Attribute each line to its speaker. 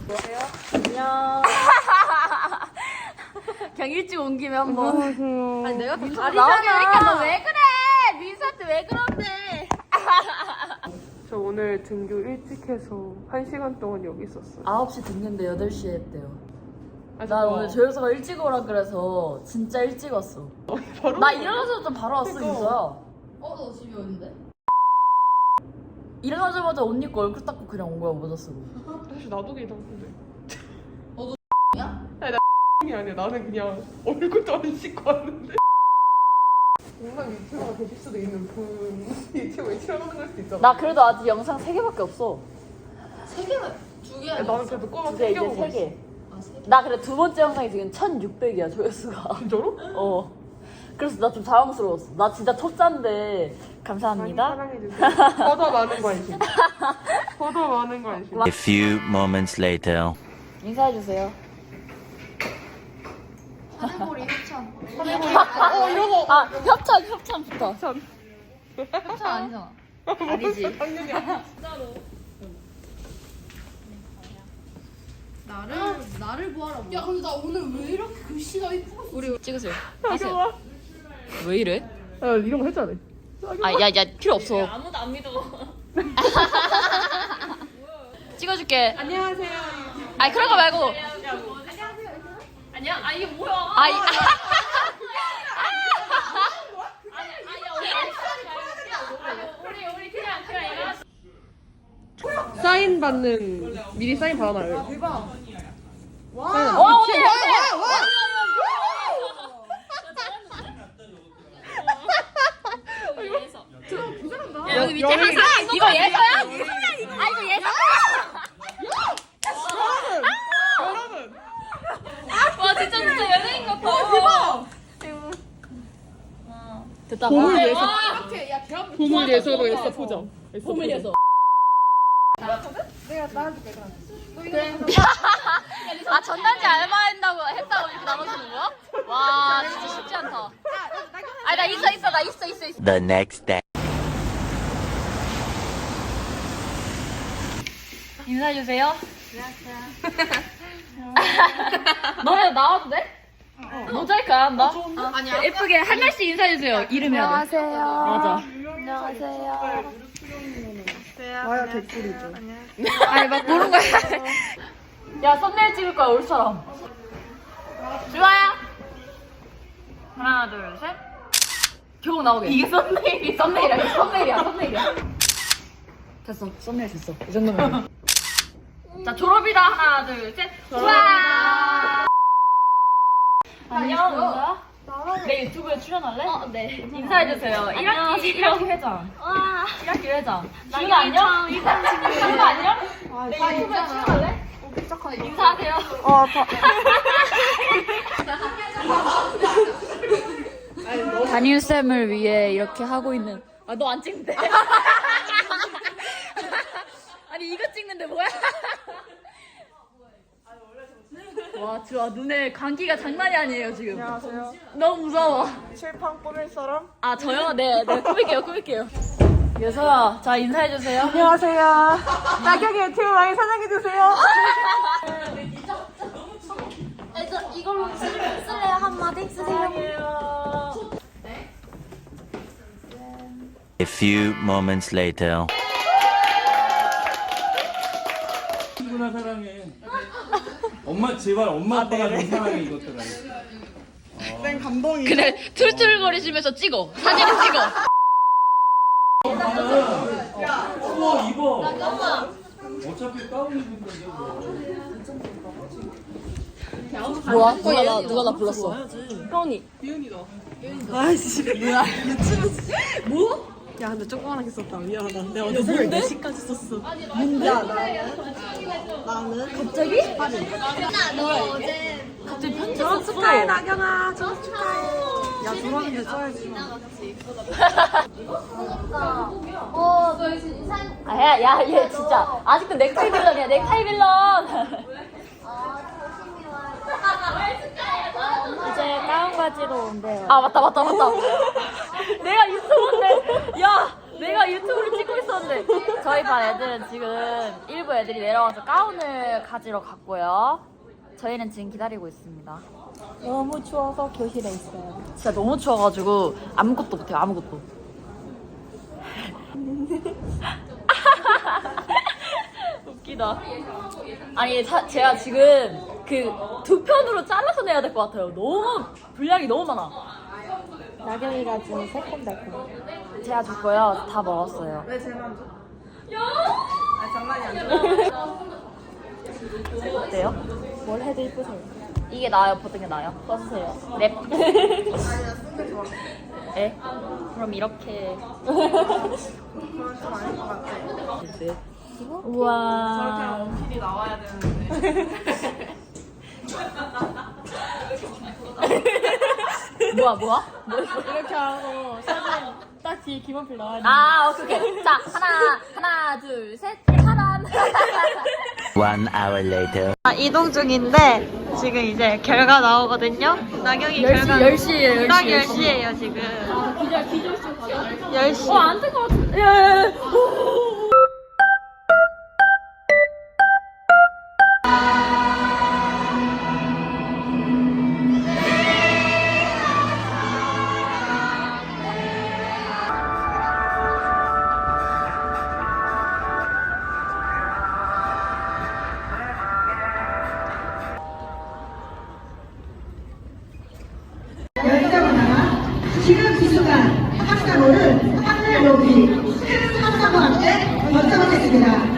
Speaker 1: 안녕. 그냥 일찍 온 김에 한번.
Speaker 2: 안녕하세요.
Speaker 1: 아니 내가 더 가리잖아. 너 왜 그래? 민수한테 왜 그런데?
Speaker 2: 저 오늘 등교 일찍 해서 1시간 동안 여기 있었어요.
Speaker 1: 9시 듣는데 8시에 했대요.
Speaker 2: 아,
Speaker 1: 나 오늘 조효서가 일찍 오라 그래서 진짜 일찍 왔어.
Speaker 2: 바로
Speaker 1: 나 일어나자마자 바로 왔어,
Speaker 2: 그러니까.
Speaker 1: 민서야.
Speaker 3: 너 집이 어딘데?
Speaker 1: 일어나자마자 옷 입고 얼굴 닦고 그냥 온 거야, 모자 쓰고.
Speaker 2: 사실 나도 괜찮은데.
Speaker 3: 야?
Speaker 2: 아니 나 이 아니야. 나는 그냥 얼굴도 안 씻고 왔는데. 영상 유튜버가 되실 수도 있는 그 유튜버에 출연하는 걸 수도 있잖아.
Speaker 1: 나 그래도 아직 영상 3개밖에 없어.
Speaker 3: 3개만 2개
Speaker 2: 아니, 나는 그래도 꼬마
Speaker 1: 이제
Speaker 2: 3개
Speaker 1: 3개.
Speaker 3: 아 3개?
Speaker 1: 나 그래 두 번째 영상이 지금 1600이야, 조회수가.
Speaker 2: 진짜로?
Speaker 1: 어. 그래서 나 좀 자랑스러웠어. 나 진짜 초짜인데 감사합니다.
Speaker 2: 많이 사랑해주세요. 더더 많은 관심. 더더 많은 관심.
Speaker 4: A few moments later.
Speaker 1: 인사해주세요.
Speaker 3: 하늘보리 협찬.
Speaker 2: 이러고.
Speaker 1: 아, 협찬부터.
Speaker 2: 참.
Speaker 3: 협찬 아니잖아.
Speaker 1: 아니지.
Speaker 2: 당연히 아니지.
Speaker 3: 나를 보아라. 야 근데 나 오늘 왜 이렇게 글씨가 이쁘고
Speaker 1: 우리 찍으세요.
Speaker 2: 하세요.
Speaker 1: 왜 이래?
Speaker 2: 야 이런 거 했잖아.
Speaker 1: 아, 야, 필요 없어.
Speaker 5: 아무도 안 믿어.
Speaker 1: 찍어줄게.
Speaker 2: 안녕하세요.
Speaker 1: 아니, 그런 거 말고.
Speaker 5: 아니야? 아 이게 뭐야?
Speaker 1: 아이,
Speaker 5: 우리 그냥 이거.
Speaker 2: 사인 받는 미리 사인 받아놔요. 대박. 와.
Speaker 1: 와, 언니! 여기 밑에 항상 이거 예서야? 아, 이거 예서?
Speaker 2: 여러분.
Speaker 5: 와 진짜 연예인 같아.
Speaker 1: 됐다.
Speaker 2: 보물
Speaker 1: 봐.
Speaker 2: 예서.
Speaker 3: 이렇게 야 대학
Speaker 2: 보물 예서로 했어 포장.
Speaker 1: 보물 예서. 아, 전단지 알바한다고 했다고 이렇게 나눠주는 거야? 와, 진짜 쉽지 않다. 아니, 나 있어.
Speaker 4: The next day.
Speaker 1: 인사해주세요. 너네 나와도 돼? 모자이크 안 한다?
Speaker 3: 아니야.
Speaker 1: 예쁘게 한 명씩 인사해주세요. 이름 해야 돼. 맞아.
Speaker 2: 와야 개꿀이죠.
Speaker 1: 아니, 막 모르는 거야. 야, 썸네일 찍을 거야, 올 사람. 좋아요. 하나, 둘, 셋. 교복 나오게. 이게 썸네일이야. 됐어, 썸네일 됐어. 이 정도면. 자, 졸업이다. 하나, 둘, 셋. 우와! 안녕, 은서야? 내 유튜브에 출연할래? 네. 인사해주세요. 1학기 회장. 1학기 회장. 지훈아 안녕? 지훈아 안녕? 내 유튜브에 출연할래? 인사하세요. 담임쌤을 위해 이렇게 하고 있는. 아, 너 안 찍는데? 아니, 이거 찍는데 뭐야? 와, 좋아. 눈에 감기가 장난이 아니에요, 지금.
Speaker 2: 안녕하세요.
Speaker 1: 너무 무서워.
Speaker 2: 칠판 꾸밀 사람?
Speaker 1: 아, 저요? 네, 꾸밀게요. 예서야, 자, 인사해주세요.
Speaker 2: 안녕하세요. 낙엽이 유튜브 많이 사랑해주세요.
Speaker 3: 이걸로 쓸래요 한마디 쓰세요.
Speaker 4: A few moments later.
Speaker 6: 누나 사랑해. 엄마 제발 엄마 아빠가 더 사랑해 이것들아.
Speaker 2: 쌤 감동이.
Speaker 1: 그래, 툴툴거리시면서 찍어. 사진을 찍어.
Speaker 6: 추워 입어. 어차피 가운 입은데
Speaker 1: 뭐야? 누가 나 불렀어? 형이.
Speaker 2: 야 근데 조그만하게 썼다. 미안하다. 내가 어제 새벽 4시까지 썼어.
Speaker 1: 갑자기?
Speaker 3: 너 어제
Speaker 1: 갑자기 편지
Speaker 2: 졸업
Speaker 1: 썼어.
Speaker 2: 축하해 나경아. 졸업 축하해. 야 졸업인데 써야지.
Speaker 3: 저희 지금 인사.
Speaker 1: 아, 야, 얘 진짜. 아직도 넥타이 빌런이야, 넥타이 빌런.
Speaker 5: 이제 다운 바지로 온대요.
Speaker 1: 아, 맞다. 내가 유튜브인데. 야, 내가 유튜브를 찍고 있었는데 저희 반 애들은 지금 일부 애들이 내려와서 가운을 가지러 갔고요. 저희는 지금 기다리고 있습니다.
Speaker 5: 너무 추워서 교실에 있어요.
Speaker 1: 진짜 너무 추워가지고 아무것도 못해요. 아무것도. 웃기다. 아니 제가 지금 그 두 편으로 잘라서 내야 될 것 같아요. 너무 분량이 너무 많아.
Speaker 5: 나경이가 준 새콤달콤.
Speaker 1: 제가 줬고요. 다 먹었어요.
Speaker 2: 왜 쟤만 줘? 아 장난이 아니라.
Speaker 1: 어때요?
Speaker 5: 뭘 해도 이쁘세요.
Speaker 1: 이게 나아요? 보던 게 나아요? 써주세요. 랩.
Speaker 2: 아니 나 쓴 게 좋아.
Speaker 1: 에? 그럼 이렇게.
Speaker 2: 그건 좀 아닐 것 같아.
Speaker 1: 우와.
Speaker 2: 저렇게 원필이 나와야 되는데.
Speaker 1: 뭐야?
Speaker 5: 이렇게 하고 사진 딱 뒤에 김원필 나와야 돼.
Speaker 1: 아, 오케이. 자, 하나, 둘, 셋. 차단.
Speaker 4: 1 hour later.
Speaker 7: 이동 중인데 지금 이제 결과 나오거든요. 나경이 결과
Speaker 1: 10시에요,
Speaker 7: 딱 10시예요 지금.
Speaker 5: 기절쇼 가자.
Speaker 7: 10시.
Speaker 1: 안 될 것 같은데. 예.
Speaker 8: 열자마자 지금 이 순간 학사모를 하늘 높이 큰 함성과 함께 결정하겠습니다.